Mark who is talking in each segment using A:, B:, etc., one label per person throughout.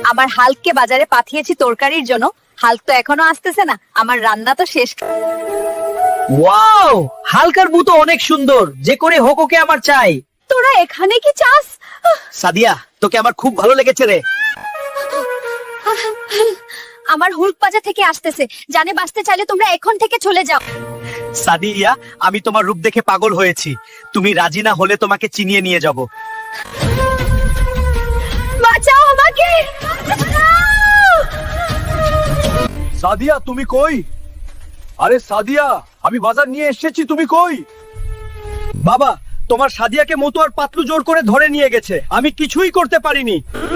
A: আমার হাল্ককে বাজারে পাঠিয়েছি তরকারির জন্য। হাল্ক তো এখনো আসতেছে না, আমার রান্না তো শেষ।
B: ওয়াও, হালকার বউ তো অনেক সুন্দর, যে করে হোক ওকে আমার চাই।
A: তোরা এখানে কি চাস?
B: সাদিয়া, তোকে আমার খুব ভালো লেগেছে রে।
A: আমার হুল্ক বাজার থেকে আসতেছে, জানে বাঁচতে চাইলে তোমরা এখন থেকে চলে যাও।
B: সাদিয়া, আমি তোমার রূপ দেখে পাগল হয়েছি, তুমি রাজি না হলে তোমাকে চিনিয়ে নিয়ে যাব।
A: বাঁচাও আমাকে।
C: সাদিয়া তুমি কই? আরে সাদিয়া, আমি বাজার নিয়ে এসেছি, তুমি কই?
B: বাবা, তোমার সাদিয়াকে মতুয়ার পাতলু জোর করে ধরে নিয়ে গেছে, আমি কিছুই করতে পারিনি।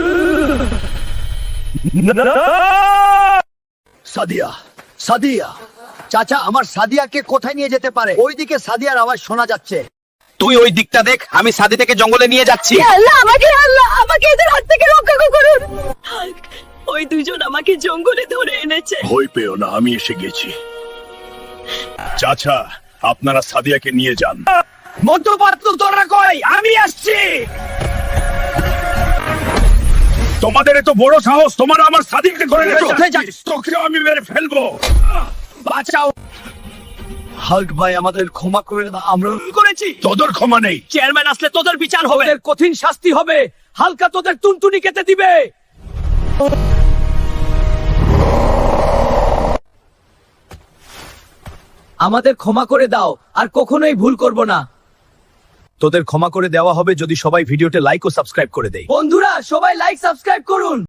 C: সাদিয়া, সাদিয়া, চাচা আমার সাদিয়াকে কোথায় নিয়ে যেতে পারে? ওইদিকে সাদিয়ার আওয়াজ শোনা যাচ্ছে।
B: তুই ওই দিকটা দেখ, আমি সাদিয়াকে জঙ্গলে নিয়ে যাচ্ছি।
A: আল্লাহ আমাকে এদের হাত থেকে রক্ষা করুন। ওই দুইজন আমাকে জঙ্গলে ধরে এনেছে।
C: ভয় পেও না, আমি এসে গেছি। চাচা, আপনারা সাদিয়াকে নিয়ে যান।
B: মতু পাতলু তোরা কই? আমি আসছি।
C: তোমাদের এত বড় সাহস, তোমরা আমার সাদিয়াকে ধরে নিয়েছো।
B: কোথায় যাচ্ছিস?
C: তোকে আমি মেরে ফেলবো।
B: বাঁচাও। হাল্ক ভাই, আমাদের ক্ষমা করে দাও, আমরা ভুল করেছি।
C: তোদের ক্ষমা নেই।
B: চেয়ারম্যান আসলে তোদের বিচার হবে, তোদের কঠিন শাস্তি হবে। হালকা তোদের টুনটুনি কেটে দিবে। আমাদের ক্ষমা করে দাও, আর কখনোই ভুল করব না।
C: তোদের ক্ষমা করে দেওয়া হবে যদি সবাই ভিডিওতে লাইক ও সাবস্ক্রাইব করে দেয়।
B: বন্ধুরা, সবাই লাইক সাবস্ক্রাইব করুন।